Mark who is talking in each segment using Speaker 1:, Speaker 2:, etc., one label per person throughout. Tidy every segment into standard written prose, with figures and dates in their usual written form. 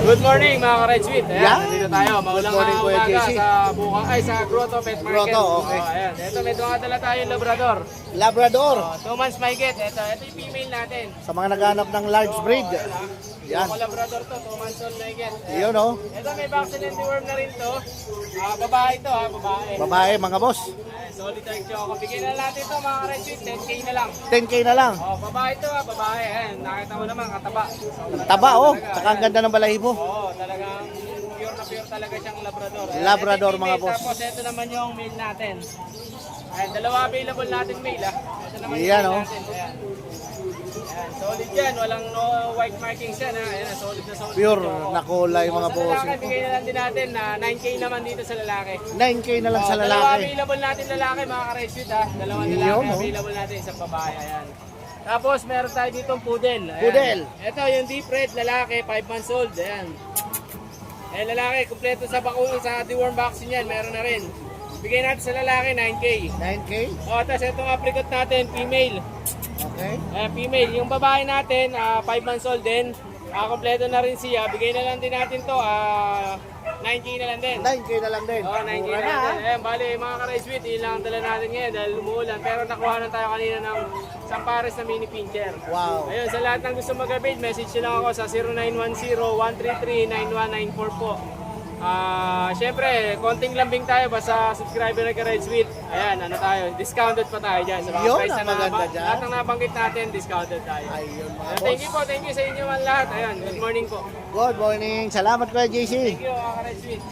Speaker 1: Good morning mga ka-Red Sweet. Ayan,
Speaker 2: Yan.
Speaker 1: nandito tayo. Maulang
Speaker 2: morning, Kuya
Speaker 1: umaga
Speaker 2: JC.
Speaker 1: sa Grotto Pet Market.
Speaker 2: Grotto, okay.
Speaker 1: Ayan, ito may dala tayong Labrador.
Speaker 2: Labrador.
Speaker 1: 2 months may get. Ito yung female natin.
Speaker 2: Sa mga naghanap ng large breed. Yan.
Speaker 1: Yung Labrador to, 2 months old may get.
Speaker 2: Yun oh.
Speaker 1: Ito may vaccine and deworm na rin to. Babae to babae.
Speaker 2: Babae mga boss.
Speaker 1: Ayan, solid dark choco. Bigyan na natin to mga ka-Red Sweet, 10k na lang.
Speaker 2: 10k na lang.
Speaker 1: Babae to babae. Ayan, nakita mo naman, kataba.
Speaker 2: Taba oh. Tsaka ang ganda ng balahibo.
Speaker 1: Talagang pure na pure talaga siyang Labrador. Ayan,
Speaker 2: Labrador,
Speaker 1: ito yung
Speaker 2: mga
Speaker 1: female,
Speaker 2: boss.
Speaker 1: Tapos ito naman yung male natin. Ayan, dalawa available natin male Ito naman yung
Speaker 2: Yan,
Speaker 1: male
Speaker 2: oh.
Speaker 1: natin. Ayan. Ayan, solid yan. Walang no white markings yan Ayan, solid na solid.
Speaker 2: Pure
Speaker 1: ito.
Speaker 2: na kulay mga
Speaker 1: Sa
Speaker 2: boss.
Speaker 1: lalaki, bigay na lang din natin na 9k naman dito sa lalaki.
Speaker 2: 9k na lang sa
Speaker 1: Dalawa
Speaker 2: lalaki.
Speaker 1: available natin lalaki mga ka-reshoot Dalawang
Speaker 2: Yun,
Speaker 1: lalaki
Speaker 2: oh.
Speaker 1: available natin sa babae. Ayan. Tapos meron tayo dito poodle. Ayan.
Speaker 2: Poodle.
Speaker 1: Ito yung deep red lalaki, 5 months old. Ayan. Lalaki, kumpleto sa sa deworm vaccine yan, meron na rin. Bigay natin sa lalaki 9k.
Speaker 2: 9k.
Speaker 1: Tapos itong apricot natin, female.
Speaker 2: Okay.
Speaker 1: Female. Yung babae natin, 5 months old din. Kumpleto na rin siya. Bigay na lang din natin to, 9k na lang din.
Speaker 2: 9k na lang din.
Speaker 1: 9k
Speaker 2: Mura
Speaker 1: na
Speaker 2: na.
Speaker 1: lang din. Ayan, bali, mga ka-Red Sweet, yun lang ang dala natin ngayon dahil umuulan. Pero nakuha na tayo kanina ng isang pares na mini pincher.
Speaker 2: Wow.
Speaker 1: Ayun, sa lahat ng gusto mag-avail, message nyo lang ako sa 0910-133-9194 po. Siyempre, konting lambing tayo basta subscriber na ka-Red Sweet. Ayan, ano tayo, discounted pa tayo dyan. Sa mga
Speaker 2: Yun,
Speaker 1: price
Speaker 2: ang
Speaker 1: na
Speaker 2: maganda dyan.
Speaker 1: lahat ng nabanggit natin, discounted tayo.
Speaker 2: Ayun mga
Speaker 1: Thank
Speaker 2: boss.
Speaker 1: you po, thank you sa inyo man lahat. Ayan, good morning po.
Speaker 2: Good morning. Salamat Kuya JC.
Speaker 1: Thank you, mga ka-Red Sweet.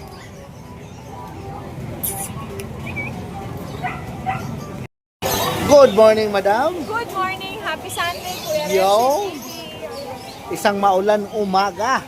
Speaker 2: Good morning, madam.
Speaker 3: Good morning, happy Sunday, Kuya
Speaker 2: Yo.
Speaker 3: Renzi TV.
Speaker 2: Isang maulan umaga.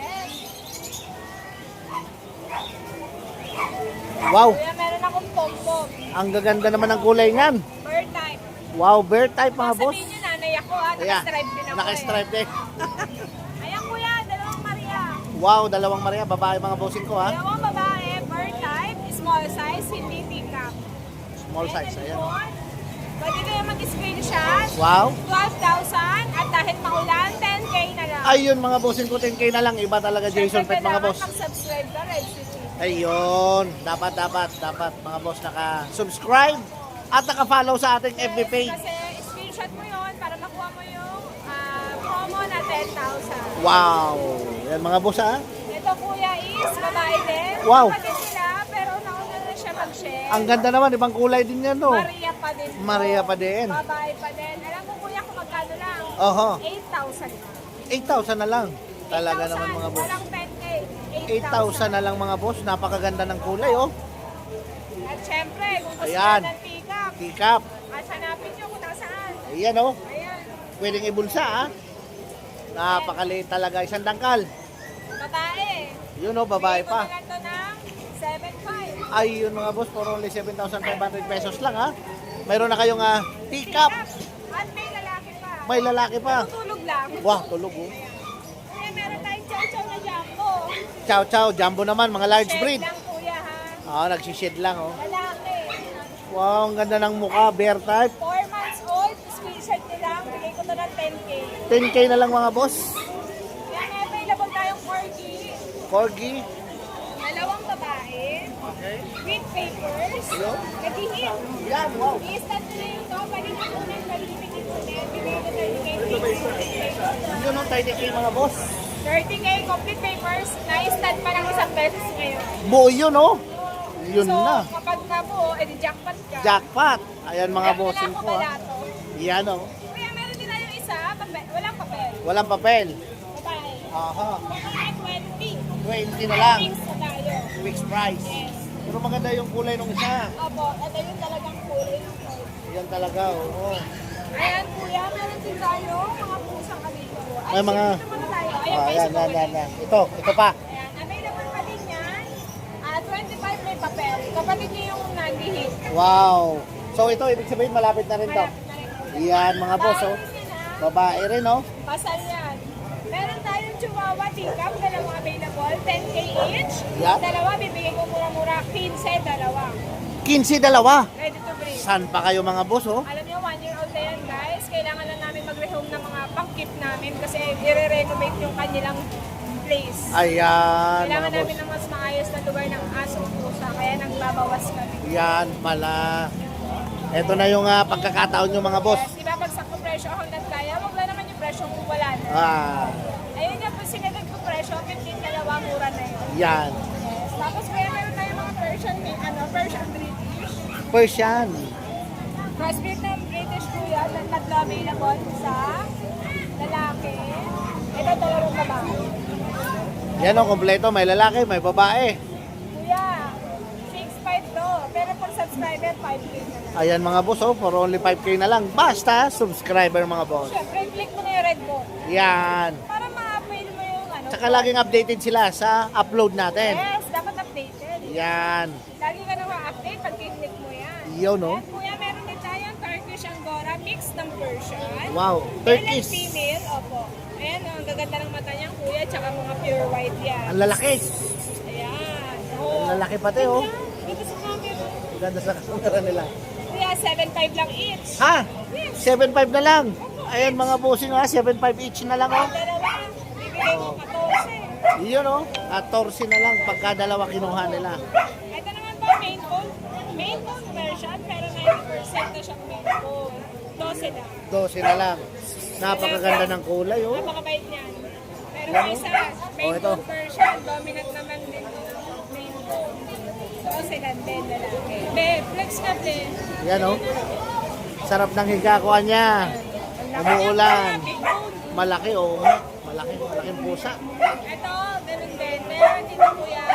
Speaker 2: Wow,
Speaker 3: Kuya, meron akong pompom.
Speaker 2: ang gaganda naman ng kulay niyan.
Speaker 3: Bird type.
Speaker 2: Wow, bear type mga boss.
Speaker 3: Sabihin nyo, nanay ako
Speaker 2: Ayan,
Speaker 3: naka-stripe din ako
Speaker 2: naka-stripe din.
Speaker 3: Ayan kuya, dalawang Maria.
Speaker 2: Wow, dalawang Maria, babae mga bossing ko ha.
Speaker 3: Dalawang babae, bird type, small size, hindi teacup.
Speaker 2: Small size, ayan.
Speaker 3: Pwede kayo mag-screenshot.
Speaker 2: Wow.
Speaker 3: 12,000 at dahil maulan, 10k na lang.
Speaker 2: Ayun mga bossing ko, 10k na lang. Iba talaga Jason Pet mga boss.
Speaker 3: mag-subscribe ka, Red City.
Speaker 2: Ayun, dapat mga boss naka-subscribe at naka-follow sa ating FB page.
Speaker 3: Kasi screenshot mo yon para makuha mo yung promo na 10,000.
Speaker 2: Wow, yan mga boss ha.
Speaker 3: Ito kuya is babae din.
Speaker 2: Wow.
Speaker 3: Kapatid sila, pero nauna na siya mag-share.
Speaker 2: Ang ganda naman, ibang kulay din yan no.
Speaker 3: Maria pa din. po.
Speaker 2: Maria pa din.
Speaker 3: Babae pa din. Alam mo kuya kung magkano lang?
Speaker 2: Oho,
Speaker 3: 8,000 lang.
Speaker 2: 8,000 na lang. Talaga
Speaker 3: 8,000,
Speaker 2: naman mga boss.
Speaker 3: Walang 10K.
Speaker 2: 8,000 na lang mga boss. Napakaganda ng kulay oh.
Speaker 3: At syempre, kung gusto
Speaker 2: Ayan.
Speaker 3: nyo ng pick-up,
Speaker 2: Tikap.
Speaker 3: at hanapin nyo kung nasaan.
Speaker 2: Ayan oh.
Speaker 3: Ayan.
Speaker 2: Pwedeng ibulsa ha. Napakaliit talaga. Isang dangkal.
Speaker 3: Babae.
Speaker 2: Yun oh, babae
Speaker 3: Bigay ko
Speaker 2: pa.
Speaker 3: na lang to ng 7,500.
Speaker 2: Ayun mga boss, for only 7,500 pesos lang ha. Mayroon na kayong tikap.
Speaker 3: At may lalaki pa.
Speaker 2: May lalaki pa.
Speaker 3: Tutulog lang.
Speaker 2: Wah, tulog oh.
Speaker 3: Kaya meron tayong chow-chow na jumbo.
Speaker 2: Chow chow, jumbo naman, mga large
Speaker 3: Shed
Speaker 2: breed.
Speaker 3: lang kuya ha.
Speaker 2: Nagsished lang oh.
Speaker 3: Lalaki.
Speaker 2: Wow, ang ganda ng mukha, bear type.
Speaker 3: 4 months old, screenshot nyo lang. Bigay ko to ng 10K.
Speaker 2: 10k na lang mga boss.
Speaker 3: Kaya may available tayong corgi.
Speaker 2: Corgi.
Speaker 3: Dalawang babae.
Speaker 2: Okay.
Speaker 3: With papers.
Speaker 2: Hello?
Speaker 3: Nag-hit.
Speaker 2: Yan, wow.
Speaker 3: I-stand nyo na yung to. Balik ko na yung balikin ko na. Bigay ko 30K.
Speaker 2: Yun ang 30k mga boss.
Speaker 3: 30K, complete papers. Na-stand pa lang isang beses ngayon.
Speaker 2: Buo yun oh. Yun
Speaker 3: so,
Speaker 2: na.
Speaker 3: kapag nabuo, edi jackpot ka.
Speaker 2: Jackpot. Ayan mga
Speaker 3: Meron
Speaker 2: bossing
Speaker 3: na ako
Speaker 2: ko ha.
Speaker 3: balato.
Speaker 2: Yan oh.
Speaker 3: Kuya, meron din tayong isa. Walang papel.
Speaker 2: Walang papel.
Speaker 3: Babae.
Speaker 2: Aha.
Speaker 3: Mga 20.
Speaker 2: 20 na lang.
Speaker 3: Things na tayo.
Speaker 2: Fixed price.
Speaker 3: Yes.
Speaker 2: Pero maganda yung kulay nung isa.
Speaker 3: Opo, ito yung talagang kulay ng kulay.
Speaker 2: Yan talaga oh.
Speaker 3: Ayan, kuya, meron din tayo mga pusang dito.
Speaker 2: Ay, mga...
Speaker 3: dito muna tayo. Ayan,
Speaker 2: Yan,
Speaker 3: Facebook
Speaker 2: yan,
Speaker 3: ulit.
Speaker 2: yan, yan. Ito pa.
Speaker 3: Ayan, available pa din yan. 25 may papel. Kapatid niyo yung nag-hit.
Speaker 2: Wow. So ito, ibig sabihin malapit na rin to.
Speaker 3: Malapit na rin po.
Speaker 2: Yan mga boss oh.
Speaker 3: Babae din, ha?
Speaker 2: Babae rin oh.
Speaker 3: Pasal yan. Meron tayong Chihuahua Teacup, dalawang available, 10K each.
Speaker 2: Yeah.
Speaker 3: Dalawa, bibigay ko mura-mura, 15, dalawa.
Speaker 2: 15 dalawa.
Speaker 3: Ready to breed.
Speaker 2: Saan pa kayo mga boss oh?
Speaker 3: Alam niyo, 1 year old na yan guys. Kailangan lang namin mag-rehome ng mga pang-keep namin kasi i-renovate yung kanilang place.
Speaker 2: Ayan,
Speaker 3: Kailangan
Speaker 2: mga boss.
Speaker 3: namin ng mas maayos na lugar ng aso at pusa, kaya nagbabawas kami.
Speaker 2: Yan pala. Ito na yung pagkakataon nyo mga boss.
Speaker 3: Yes, diba pag sa presyo ako kaya, wag na naman yung presyo kung wala na.
Speaker 2: Ah,
Speaker 3: Ayun nga po sinagad ko presyo, 15 dalawa mura na yun.
Speaker 2: yan.
Speaker 3: Yes. Tapos kaya meron tayong mga Persian, Persian British.
Speaker 2: Persian.
Speaker 3: Crossbreed ng British kuya, na tatlo available sa lalaki. Ito dalawang babae.
Speaker 2: Yan o, kompleto. May lalaki, may babae.
Speaker 3: Kuya, 6'5" to. Pero for subscriber, 5K na lang.
Speaker 2: Ayan mga boss, oh, for only 5K na lang. Basta, subscriber mga boss.
Speaker 3: Siyempre, click mo na yung red mo.
Speaker 2: Yan.
Speaker 3: Para ma-avail mo yung ano.
Speaker 2: Tsaka laging updated sila sa upload natin.
Speaker 3: Yes, dapat updated.
Speaker 2: Yan.
Speaker 3: Lagi ka na ma-update pag click mo yan.
Speaker 2: Yun, no?
Speaker 3: At kuya, meron din tayong Turkish Angora, mix ng Persian.
Speaker 2: Wow.
Speaker 3: Male and
Speaker 2: Turkish.
Speaker 3: female, opo. Ayan, oh, ang gaganda ng mata niya, kuya, tsaka mga pure white yan.
Speaker 2: Ang lalaki.
Speaker 3: Ayan.
Speaker 2: Ang
Speaker 3: Oh.
Speaker 2: lalaki pati, oh.
Speaker 3: Dito sa camera.
Speaker 2: Ang ganda sa kamera nila.
Speaker 3: Kuya, 7'5" lang each.
Speaker 2: Ha? 7.5 na lang. Ayan mga bossing ha, 7.5 each na lang oh.
Speaker 3: Dalawa, bibigay mo 14.
Speaker 2: Iyon oh, 14 na lang pagka dalawa kinuha nila.
Speaker 3: Ito naman po, main bone. Main bone version, pero 90% na siyang main bone. 12 na.
Speaker 2: 12 na lang. Napakaganda ng kulay oh.
Speaker 3: Napakabait niyan. Pero
Speaker 2: Yan,
Speaker 3: may
Speaker 2: oh.
Speaker 3: isa, main
Speaker 2: Oh, ito.
Speaker 3: bone version, dominant naman din main bone. 12 lang din, lalaki. Be, flex ka din.
Speaker 2: Yan oh. Sarap ng hikakuan niya. Umuulan.
Speaker 3: Big bone.
Speaker 2: Malaki oh. Malaking pusa.
Speaker 3: Ito, ganun din. Meron din po yan,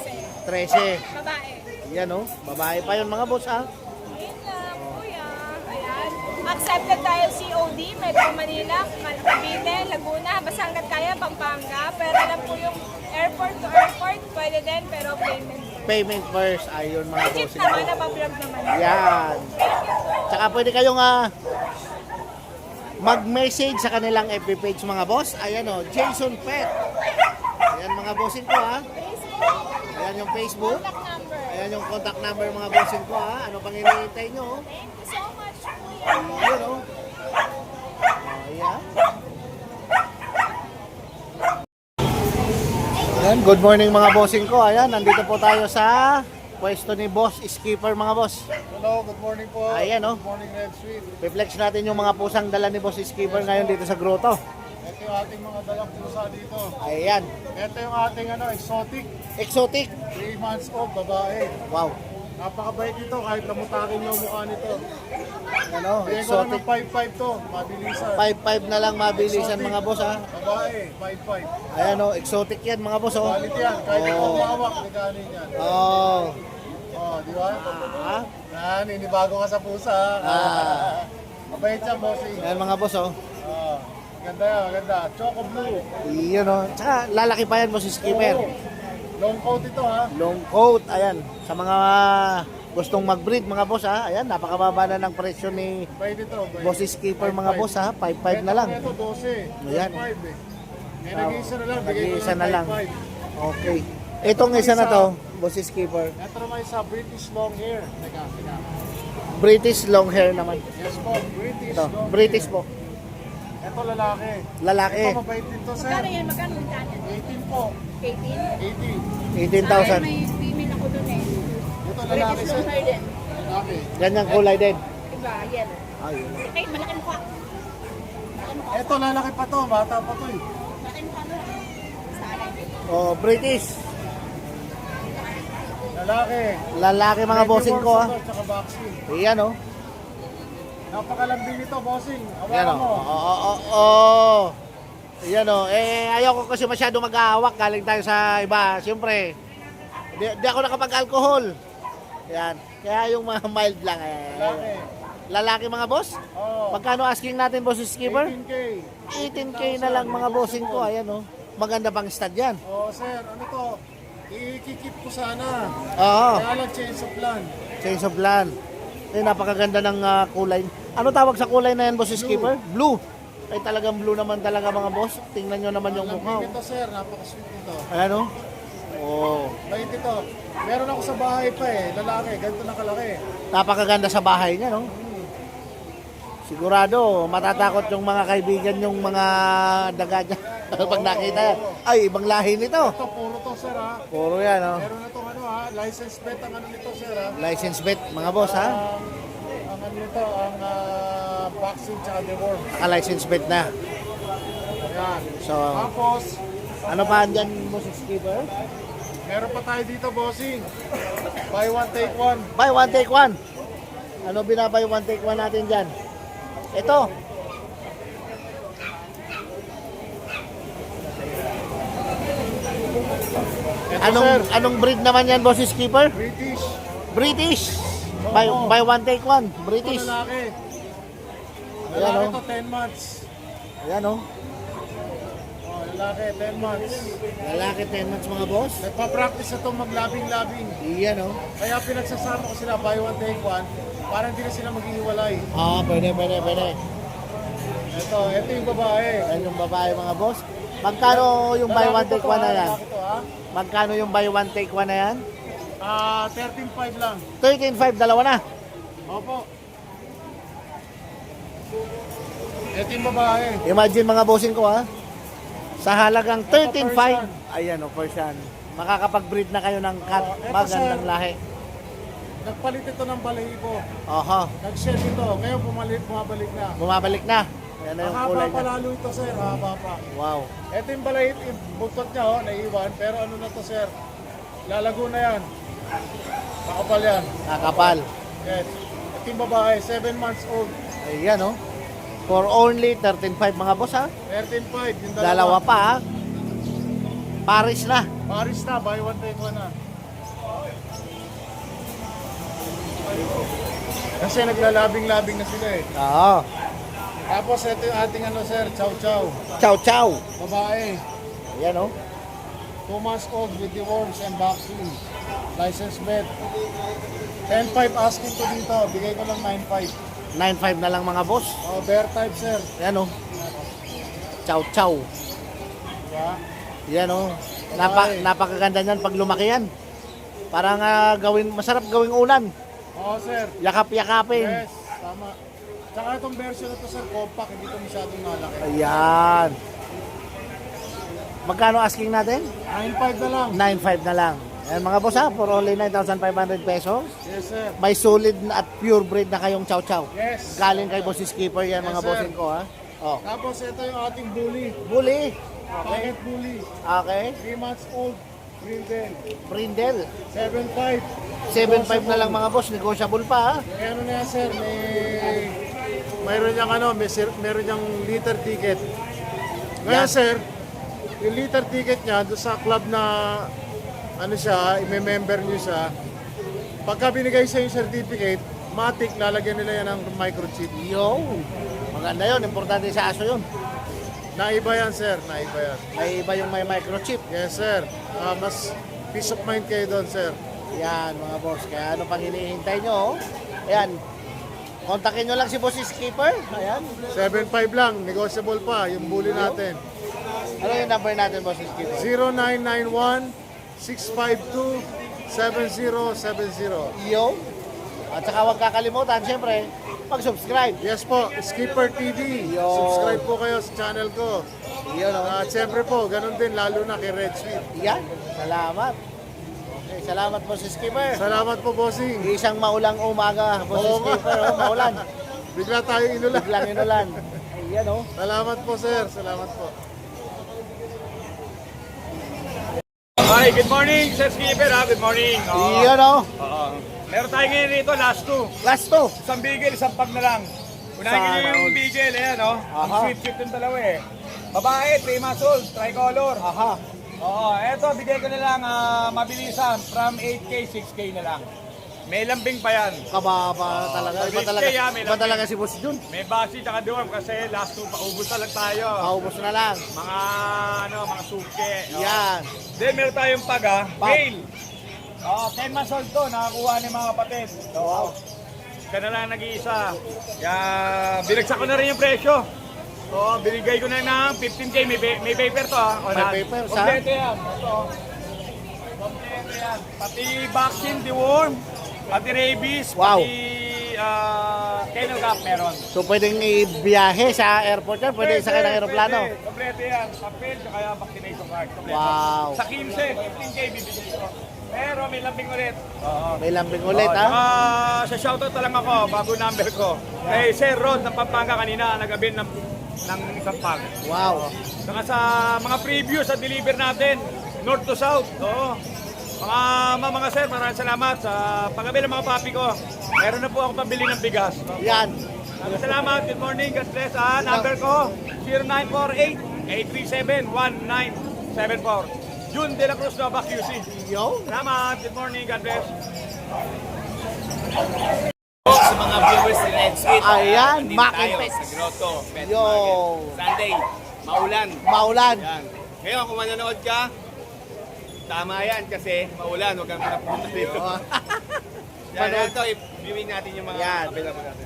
Speaker 3: 13.
Speaker 2: 13.
Speaker 3: Babae.
Speaker 2: Yan oh. Babae pa yun mga boss ha.
Speaker 3: Yun lang, kuya. Ayan. Accepted tayo COD, Metro Manila, Cavite, Laguna, basta hanggat kaya, Pampanga. Pero lang po yung airport to airport, pwede din, pero payment.
Speaker 2: Payment first. Ayun mga
Speaker 3: Legit
Speaker 2: bossing
Speaker 3: naman,
Speaker 2: ko.
Speaker 3: napablog naman.
Speaker 2: Yan. Tsaka pwede kayong mag-message sa kanilang FB page mga boss. Ayan o, Jason Pet. Ayan mga bossing ko ha. Ayan yung Facebook.
Speaker 3: Contact number.
Speaker 2: Ayan yung contact number mga bossing ko ha. Ano pang hinihintay nyo? Oh?
Speaker 3: Thank you so much, kuya.
Speaker 2: Ayan o. Ayan. Ayan, good morning mga bossing ko. Ayan, nandito po tayo sa pwesto ni Boss Skipper mga boss.
Speaker 4: Hello, good morning po.
Speaker 2: Ayan, oh.
Speaker 4: Good morning, Red Sweet.
Speaker 2: Reflex natin yung mga pusang dala ni Boss Skipper ngayon dito sa grotto.
Speaker 4: Ito yung ating mga dalang pusa dito.
Speaker 2: Ayan,
Speaker 4: Ito yung ating exotic,
Speaker 2: exotic.
Speaker 4: 3 months old, babae.
Speaker 2: Wow.
Speaker 4: Napakabait ito kahit namutakin yung mukha nito.
Speaker 2: Ano,
Speaker 4: Bigyan ko lang
Speaker 2: exotic.
Speaker 4: ng 5'5" to, mabilisan.
Speaker 2: 5.5 na lang mabilisan mga boss ha.
Speaker 4: Babae, 5'5".
Speaker 2: Ayan o, exotic yan mga boss oh.
Speaker 4: Quality yan, kahit ikaw makawak, liganin yan.
Speaker 2: Oh.
Speaker 4: Oh, di ba?
Speaker 2: Ah,
Speaker 4: Yan, inibago ka sa pusa.
Speaker 2: Ah.
Speaker 4: Mabait siya, bossing.
Speaker 2: ayan mga boss oh.
Speaker 4: Oh, ganda yan, ganda. Choco blue.
Speaker 2: Iyon oh. Tsaka lalaki pa yan Boss Skipper.
Speaker 4: Oh, long coat ito ha.
Speaker 2: Long coat, ayan. Sa mga gustong mag-breed mga boss ha. Ayan, napakababa na ng presyo ni
Speaker 4: Bait ito. Bait.
Speaker 2: Boss Skipper mga
Speaker 4: 5'5".
Speaker 2: boss ha. 5.5 na lang.
Speaker 4: Ito 12.
Speaker 2: Ayan.
Speaker 4: 5 eh. May nag-iisa na lang. Bigay ko
Speaker 2: Nag-iisa na lang.
Speaker 4: 5'5".
Speaker 2: Okay. Itong isa na to, Boss Skipper.
Speaker 4: Ito naman sa British long hair. Teka.
Speaker 2: British long hair naman.
Speaker 4: Yes po, British
Speaker 2: Ito,
Speaker 4: long
Speaker 2: British
Speaker 4: hair.
Speaker 2: po.
Speaker 4: Ito lalaki.
Speaker 2: Lalaki.
Speaker 4: Ito mabait din to, sir.
Speaker 3: Magkano yan? Magkano yung dati?
Speaker 4: 18 po.
Speaker 3: 18?
Speaker 2: 18,000.
Speaker 3: May female ako dun eh.
Speaker 4: Ito lalaki, sir.
Speaker 3: Hair din.
Speaker 4: Lalaki.
Speaker 2: Ganyang kulay din.
Speaker 3: Diba? Yellow.
Speaker 2: Ayun.
Speaker 3: Ay, malaki mukha.
Speaker 4: Ito lalaki pa to. Bata pa to eh.
Speaker 3: Malaki mukha mo. Sana.
Speaker 2: Oh, British.
Speaker 4: Lalaki.
Speaker 2: Lalaki mga bossing ko ha.
Speaker 4: Tsaka vaccine.
Speaker 2: Ayan oh.
Speaker 4: Napakalambing nito, bossing.
Speaker 2: Ayan
Speaker 4: Hawakan
Speaker 2: oh.
Speaker 4: mo.
Speaker 2: Oo. Ayan oh. Ayoko kasi masyado mag-aawak. Galing tayo sa iba. Siyempre, di ako nakapag-alcohol. Ayan. Kaya yung mga mild lang
Speaker 4: Lalaki.
Speaker 2: Lalaki mga boss?
Speaker 4: Oh.
Speaker 2: Magkano asking natin boss Skipper?
Speaker 4: 18K.
Speaker 2: 18K na lang mga bossing ko. Ayan oh. Maganda pang stud yan.
Speaker 4: Oh, sir. Ano to? Ikikip ko sana.
Speaker 2: Oo.
Speaker 4: Kaya lang change of plan.
Speaker 2: Change of plan. Napakaganda ng kulay. Ano tawag sa kulay na yan, boss Skipper? Blue. Ay talagang blue naman talaga mga boss. Tingnan nyo naman yung mukha.
Speaker 4: Lambing ito, sir. Napaka-sweet nito.
Speaker 2: Ayan o. Oh.
Speaker 4: Bait ito. Meron ako sa bahay pa eh. Lalaki. Ganito na kalaki.
Speaker 2: Napakaganda sa bahay niya, no? Sigurado, matatakot yung mga kaibigan yung mga daga dyan. Pag nakita yan. Ay, ibang lahi nito.
Speaker 4: Ito, puro to, sir, ha?
Speaker 2: Puro yan, oh.
Speaker 4: Meron na itong ano, ha? License bet ang ano nito, sir, ha?
Speaker 2: License bet, mga boss, ha?
Speaker 4: Ang ano nito, ang vaccine tsaka deworm.
Speaker 2: Naka-license bet na.
Speaker 4: Ayan.
Speaker 2: So,
Speaker 4: Tapos,
Speaker 2: ano pa andyan, boss skipper?
Speaker 4: meron pa tayo dito, bossing. Buy one, take one.
Speaker 2: Buy one, take one. Ano binabay one, take one natin dyan? Ito.
Speaker 4: Ito, sir.
Speaker 2: Anong breed naman yan, boss skipper?
Speaker 4: British.
Speaker 2: British. Buy one, take one.
Speaker 4: Ito,
Speaker 2: British.
Speaker 4: lalaki.
Speaker 2: Ayan,
Speaker 4: Lalaki
Speaker 2: oh.
Speaker 4: to, 10 months.
Speaker 2: Ayan, oh.
Speaker 4: Oh, lalaki, 10 months.
Speaker 2: Lalaki 10 months, mga boss.
Speaker 4: Nagpa-practice na itong maglabing-labing.
Speaker 2: Iyan, oh.
Speaker 4: Kaya pinagsasama ko sila, buy one, take one, para hindi na sila maghihiwalay.
Speaker 2: Ah, pwede.
Speaker 4: Ito yung babae.
Speaker 2: Ayan yung babae, mga boss. Magkano yung buy one, take one na yan?
Speaker 4: Lalaki to, ha?
Speaker 2: Magkano yung buy one, take one na yan?
Speaker 4: 13.5 lang.
Speaker 2: 13.5, dalawa na.
Speaker 4: Opo. Ito yung babae.
Speaker 2: Imagine mga bossing ko, ha? Sa halagang 13.5.
Speaker 4: Persian.
Speaker 2: Ayan, oh, Persian. Makakapag-breed na kayo ng cat.
Speaker 4: Oh, eto,
Speaker 2: Magandang
Speaker 4: sir.
Speaker 2: lahi.
Speaker 4: Nagpalit ito ng balahibo.
Speaker 2: Oho,
Speaker 4: Nag-shed ito. Ngayon bumabalik na.
Speaker 2: bumabalik na. Yan na yung
Speaker 4: Mahaba
Speaker 2: kulay
Speaker 4: pa
Speaker 2: niya.
Speaker 4: lalo ito, sir. Mahaba pa.
Speaker 2: Wow.
Speaker 4: Ito yung balahib, yung buntot niya, oh, naiwan. Pero ano na to, sir? Lalago na yan. Makapal yan.
Speaker 2: Kakapal.
Speaker 4: Yes. Ito yung babae, 7 months old.
Speaker 2: Ayan, oh. For only 13.5, mga boss, ha?
Speaker 4: 13.5. Yung
Speaker 2: Dalawa pa, ha? Paris na.
Speaker 4: Paris na, buy one, take one na. Kasi naglalabing-labing na sila eh.
Speaker 2: Oo.
Speaker 4: Tapos ito yung ating ano, sir, chow chow.
Speaker 2: Chow chow.
Speaker 4: Babae,
Speaker 2: Ayan, oh.
Speaker 4: 2 months old with the worms and vaccine. License bet. 10.5 asking ko dito. Bigay ko lang 9.5.
Speaker 2: 9.5 na lang, mga boss.
Speaker 4: Oh, bear type, sir.
Speaker 2: Ayan, oh. Chow chow.
Speaker 4: Diba?
Speaker 2: Ayan, oh.
Speaker 4: Babae.
Speaker 2: Napakaganda niyan pag lumaki yan. Parang masarap gawing ulan.
Speaker 4: Oo, sir.
Speaker 2: Yakap-yakapin.
Speaker 4: Yes, tama. Tsaka itong version na to, sir, compact. Hindi ito masyadong malaki.
Speaker 2: Ayan. Magkano asking natin?
Speaker 4: 9.5 na lang.
Speaker 2: 9.5 na lang. Ayan, mga boss, ha, for only 9,500 pesos.
Speaker 4: Yes, sir.
Speaker 2: May solid na at pure breed na kayong chow chow.
Speaker 4: Yes.
Speaker 2: Galing kay Boss Skipper yan,
Speaker 4: Yes,
Speaker 2: mga
Speaker 4: sir.
Speaker 2: bossing ko, ha. Oh.
Speaker 4: Tapos ito yung ating bully.
Speaker 2: Bully.
Speaker 4: Pocket bully.
Speaker 2: Okay.
Speaker 4: 3 months old. Brindle.
Speaker 2: Brindle.
Speaker 4: 7.5.
Speaker 2: 7.5 na lang, mga boss. Negotiable pa, ha.
Speaker 4: May ano na yan, sir, mayroon niyang ano, meron niyang liter ticket. Ngayon,
Speaker 2: Yan.
Speaker 4: sir, yung liter ticket niya doon sa club na ano siya, i-member niyo siya. Pagka binigay sa yung certificate, matik lalagyan nila yan ng microchip.
Speaker 2: Yo. Maganda yun. Importante sa aso yun.
Speaker 4: Naiba yan, sir, naiba yan.
Speaker 2: May iba yung may microchip.
Speaker 4: Yes, sir. Mas peace of mind kayo doon, sir.
Speaker 2: Yan, mga boss. Kaya ano pang hinihintay nyo, oh. Ayan. Kontakin nyo lang si Boss Skipper. Ayan.
Speaker 4: 7.5 lang, negotiable pa, yung bully natin.
Speaker 2: Ano yung number natin, Boss Skipper?
Speaker 4: 0991-652-7070.
Speaker 2: Yo. At saka huwag kakalimutan, siyempre, mag-subscribe.
Speaker 4: Yes po, Skipper TV.
Speaker 2: Yo.
Speaker 4: Subscribe po kayo sa channel ko.
Speaker 2: Yun, oh.
Speaker 4: At siyempre po, ganun din, lalo na kay Red Sweet.
Speaker 2: Yan. Salamat. Okay, salamat, Boss Skipper.
Speaker 4: Salamat po, bossing.
Speaker 2: Isang maulang umaga, Boss
Speaker 4: Oo nga.
Speaker 2: Skipper. Oh, maulan.
Speaker 4: Bigla tayo inulan.
Speaker 2: Biglang inulan. Ayan, oh.
Speaker 4: Salamat po, sir. Salamat po.
Speaker 5: Hi, good morning, Sir Skipper, ha? Good morning.
Speaker 2: Ayan, oh.
Speaker 5: Oo. Meron tayo ngayon rito, last two.
Speaker 2: Last to.
Speaker 5: Isang bigel, isang pag na lang. Unahin
Speaker 2: Sana
Speaker 5: nyo yung
Speaker 2: all.
Speaker 5: bigel, ayan, oh. Ang
Speaker 2: Aha.
Speaker 5: sweet yung dalawa, eh. Babae, 3 months old, tricolor.
Speaker 2: Aha.
Speaker 5: Oo, eto, bigay ko na lang, mabilisan, from 8K, 6K na lang. May lambing pa yan.
Speaker 2: Kababa talaga. Iba
Speaker 5: 6K,
Speaker 2: talaga,
Speaker 5: may
Speaker 2: iba
Speaker 5: lambing.
Speaker 2: talaga si Boss Jun.
Speaker 5: May basi tsaka duwam kasi last two, paubos na lang tayo.
Speaker 2: Paubos na lang.
Speaker 5: Mga, mga suke. Oo.
Speaker 2: Yan.
Speaker 5: Then meron tayong pag, ha?
Speaker 2: Pag.
Speaker 5: Male. 10 months old to, nakakuha ni mga kapatid. Oo. Siya na lang nag-iisa. Kaya binagsak ko na rin yung presyo. Oo, binigay ko na ng 15K. May paper to, ha? O,
Speaker 2: May paper, sa?
Speaker 5: Kompleto yan. Ito. Kompleto yan. Pati vaccine, deworm, pati rabies,
Speaker 2: Wow.
Speaker 5: pati Kennel Gap meron.
Speaker 2: So pwedeng ibiyahe sa airport yan, pwede sakay ng aeroplano.
Speaker 5: Pwede. Kompleto yan. Papel, kaya vaccination card. Kompleto.
Speaker 2: Wow.
Speaker 5: Sa 15, 15K bibigyan ko. Pero may lambing ulit. Oo.
Speaker 2: May lambing ulit ha.
Speaker 5: Sa shoutout na lang ako, bago number ko. Kay Sir Rod ng Pampanga kanina, nag-abin ng isang pag.
Speaker 2: Wow.
Speaker 5: Saka sa mga preview sa deliver natin, north to south. Oo. Mga sir, maraming salamat sa pag-abin ng mga papi ko. Meron na po ako pambili ng bigas.
Speaker 2: Yan.
Speaker 5: Maraming salamat. Good morning. God bless. Number ko, 0948-837-1974. June De La Cruz, Nova QC.
Speaker 2: Yo.
Speaker 5: Salamat. Good morning. God bless.
Speaker 1: Sa mga viewers ni Red Sweet,
Speaker 2: Ayan,
Speaker 1: nandito
Speaker 2: Mac and
Speaker 1: tayo
Speaker 2: Pets.
Speaker 1: sa Grotto Pet
Speaker 2: Yo.
Speaker 1: Market. Sunday, maulan.
Speaker 2: Maulan.
Speaker 1: Yan. Ngayon, kung manonood ka, tama yan kasi maulan, huwag kang pinapunta dito. Yan,
Speaker 2: Manood.
Speaker 1: ito, i-viewing natin yung mga
Speaker 2: Yan.
Speaker 1: available natin.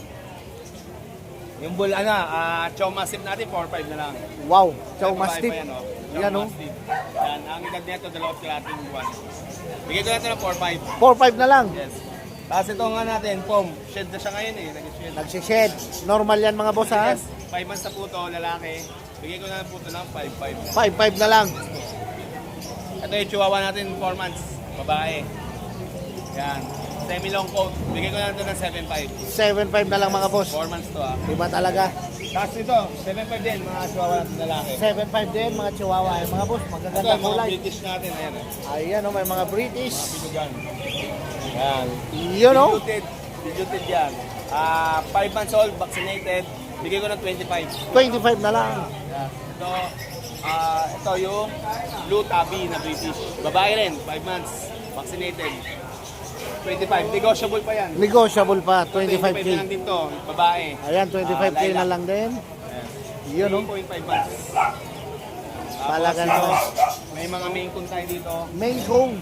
Speaker 1: Yung bull, chow massive natin, 4-5 na lang.
Speaker 2: Wow. Chow
Speaker 1: Babae
Speaker 2: Mastiff.
Speaker 1: pa yan, oh. Chow
Speaker 2: Yan, oh.
Speaker 1: Mastiff. Yan, ang edad nito, 2 kalating buwan. Bigay ko natin ng 4-5.
Speaker 2: 4-5 na lang.
Speaker 1: Yes. Tapos ito nga natin, pom. Shed na siya ngayon eh. Nag-shed.
Speaker 2: Nagsished. Normal yan mga boss ha.
Speaker 1: Yes. 5 months na po to, lalaki. Bigay ko na po ito ng 5-5.
Speaker 2: 5-5 na lang.
Speaker 1: Ito yung chihuahua natin, 4 months. Babae. Yan. Semi-long coat. Bigay ko na ito ng 7-5.
Speaker 2: 7-5 na lang mga boss.
Speaker 1: 4 months to ah.
Speaker 2: Iba talaga.
Speaker 1: Tapos ito, 7-5 din, mga chihuahua natin lalaki.
Speaker 2: 7-5 din mga chihuahua. Ay, mga boss,
Speaker 1: Ito,
Speaker 2: magaganda
Speaker 1: yung mga
Speaker 2: kulay.
Speaker 1: British natin. Ayan eh.
Speaker 2: Ayan o, may mga British.
Speaker 1: Pilugan. Yan.
Speaker 2: Yun o.
Speaker 1: Diluted yan. 5 months old, vaccinated. Bigay ko ng 25.
Speaker 2: 25 na lang.
Speaker 1: Yan. Ito yung Blue Tabby na British. Babae rin, 5 months, vaccinated. 25, negotiable pa yan.
Speaker 2: Negotiable pa,
Speaker 1: 25 na lang
Speaker 2: 25k.
Speaker 1: din to, babae.
Speaker 2: Ayan, 25k na
Speaker 1: Lilac.
Speaker 2: lang din. Yun o.
Speaker 1: 3.5 months.
Speaker 2: Talaga
Speaker 1: Tapos
Speaker 2: naman.
Speaker 1: ito, may mga main coon tayo dito.
Speaker 2: Main Kong.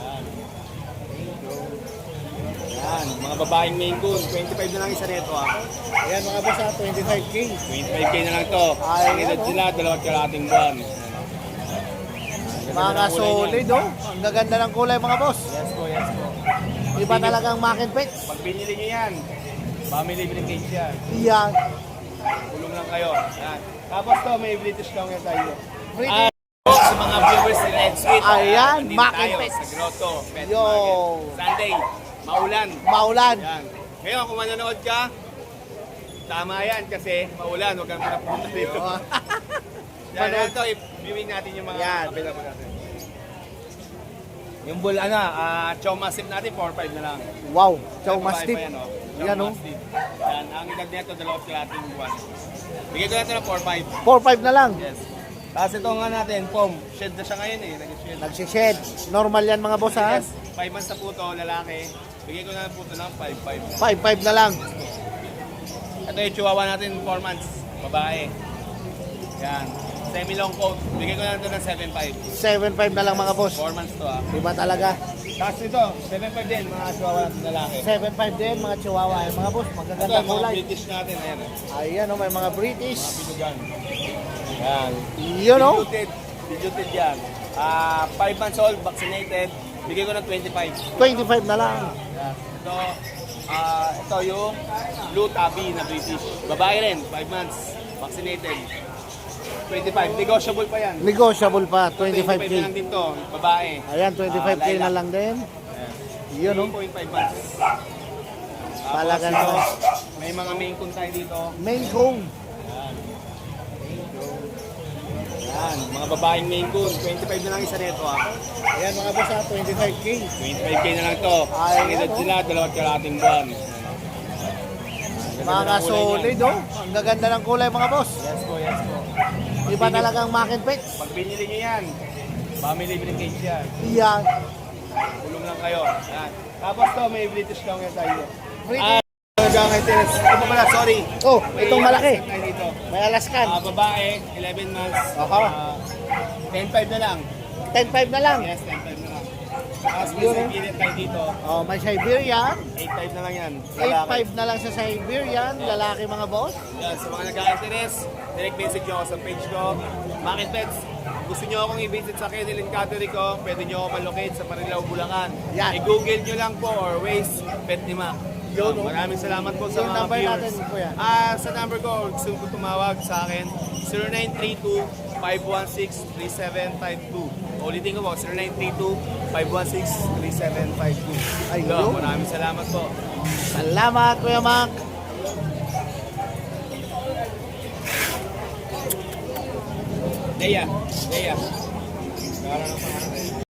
Speaker 1: Yan, mga babaeng main coon. 25 na lang isa nito ah.
Speaker 2: Ayan mga boss ha, 25k.
Speaker 1: 25k na lang to.
Speaker 2: Ay,
Speaker 1: Ang edad
Speaker 2: ano?
Speaker 1: sila, 2 kalating buwan.
Speaker 2: Mga solid o. Ang gaganda ng kulay mga boss.
Speaker 1: Yes po, yes po.
Speaker 2: Iba talagang Mac and Pets.
Speaker 1: Pag binili nyo yan, family libre cage yan.
Speaker 2: Yan.
Speaker 1: Tulong lang kayo. Yan. Tapos to, may British lang yan tayo.
Speaker 2: British.
Speaker 1: Sa mga viewers ni Red Sweet,
Speaker 2: Ayan,
Speaker 1: nandito
Speaker 2: Mac and
Speaker 1: tayo
Speaker 2: Pets.
Speaker 1: sa Grotto Pet
Speaker 2: Yo.
Speaker 1: Market. Sunday, maulan.
Speaker 2: Maulan.
Speaker 1: Yan. Ngayon, kung manonood ka, tama yan kasi maulan, huwag kang pinapunta dito. Yan, ito, i-viewing natin yung mga
Speaker 2: Yan.
Speaker 1: available natin. Yung bull, chow massive natin, 4-5 na lang.
Speaker 2: Wow. Chow
Speaker 1: Babae
Speaker 2: Mastiff.
Speaker 1: pa yan, oh. Chow
Speaker 2: Yan o.
Speaker 1: Mastiff. Yan, ang edad nito, 2 kalating buwan. Bigay ko natin ng 4-5.
Speaker 2: 4-5 na lang.
Speaker 1: Yes. Tapos ito nga natin, pom. Shed na siya ngayon eh. Nag-shed.
Speaker 2: Nagsished. Normal yan mga boss ha.
Speaker 1: Yes. 5 months na po to, lalaki. Bigay ko na po ito ng 5-5.
Speaker 2: 5-5 na lang.
Speaker 1: Ito yung chihuahua natin, 4 months. Babae. Yan. Semi-long coat. Bigay ko na ito ng 7-5.
Speaker 2: 7-5 na lang mga boss.
Speaker 1: 4 months to ah.
Speaker 2: Iba talaga.
Speaker 1: Tapos ito, 7-5 din, mga chihuahua natin lalaki.
Speaker 2: 7-5 din mga chihuahua. Ay, mga boss,
Speaker 1: Ito,
Speaker 2: magaganda
Speaker 1: yung mga
Speaker 2: kulay.
Speaker 1: British natin. Ayan eh.
Speaker 2: Ayan o, may mga British.
Speaker 1: Pilugan. Yan.
Speaker 2: Yun o.
Speaker 1: Diluted yan. 5 months old, vaccinated. Bigay ko ng 25.
Speaker 2: 25 na lang.
Speaker 1: Ito yung Blue Tabby na British. Babae rin, 5 months, vaccinated. 25, negotiable pa yan.
Speaker 2: Negotiable pa,
Speaker 1: 25 na lang
Speaker 2: 25k.
Speaker 1: din to, babae.
Speaker 2: Ayan, 25k
Speaker 1: Lilac.
Speaker 2: na lang din. Yun o.
Speaker 1: 3.5 months.
Speaker 2: Talaga
Speaker 1: Tapos ito,
Speaker 2: naman.
Speaker 1: may mga main coon tayo dito.
Speaker 2: Main Kong.
Speaker 1: Yan, mga babaeng main coon. 25 na lang isa nito ah.
Speaker 2: Ayan mga boss ha, 25k.
Speaker 1: 25k na lang to.
Speaker 2: Ay,
Speaker 1: Ang edad
Speaker 2: ano?
Speaker 1: sila, 2 kalating buwan.
Speaker 2: Mga solid o. Ang gaganda ng kulay mga boss.
Speaker 1: Yes po, yes po.
Speaker 2: Iba talagang Mac and Pets.
Speaker 1: Pag binili nyo yan, family libre cage yan.
Speaker 2: Yan.
Speaker 1: Tulong lang kayo. Yan. Tapos to, may British lang yan tayo.
Speaker 2: British.
Speaker 1: Ito pala, sorry.
Speaker 2: Oh, itong malaki.
Speaker 1: Alaskan tayo dito.
Speaker 2: May Alaskan.
Speaker 1: Babae, 11 months.
Speaker 2: Aha.
Speaker 1: 10-5 na lang.
Speaker 2: 10-5 na lang.
Speaker 1: Yes, 10-5 na lang. Tapos may
Speaker 2: Yun, eh.
Speaker 1: Siberian tayo dito.
Speaker 2: Oh, may Siberian.
Speaker 1: 8-5 na lang yan. Lalaki.
Speaker 2: 8-5 na lang sa Siberian. Lalaki mga boss.
Speaker 1: Yan, sa mga nagka-interest, direct message nyo ako sa page ko. Market Pets. Gusto nyo akong i-visit sa Kennel and Cattery ko, pwede nyo ako malocate sa Marilao, Bulacan.
Speaker 2: Yan.
Speaker 1: I-google nyo lang po or Waze, Pet ni Mac.
Speaker 2: Yun, no?
Speaker 1: Maraming salamat po sa
Speaker 2: Yung
Speaker 1: mga
Speaker 2: number
Speaker 1: viewers.
Speaker 2: natin, kuya.
Speaker 1: Sa number ko, gusto ko tumawag sa akin, 0932-516-3752. Ulitin ko po, 0932-516-3752.
Speaker 2: Ay,
Speaker 1: Yo,
Speaker 2: yun.
Speaker 1: maraming salamat po.
Speaker 2: Salamat, Kuya Mac.
Speaker 1: Leia. Leia. Para ng pangalan.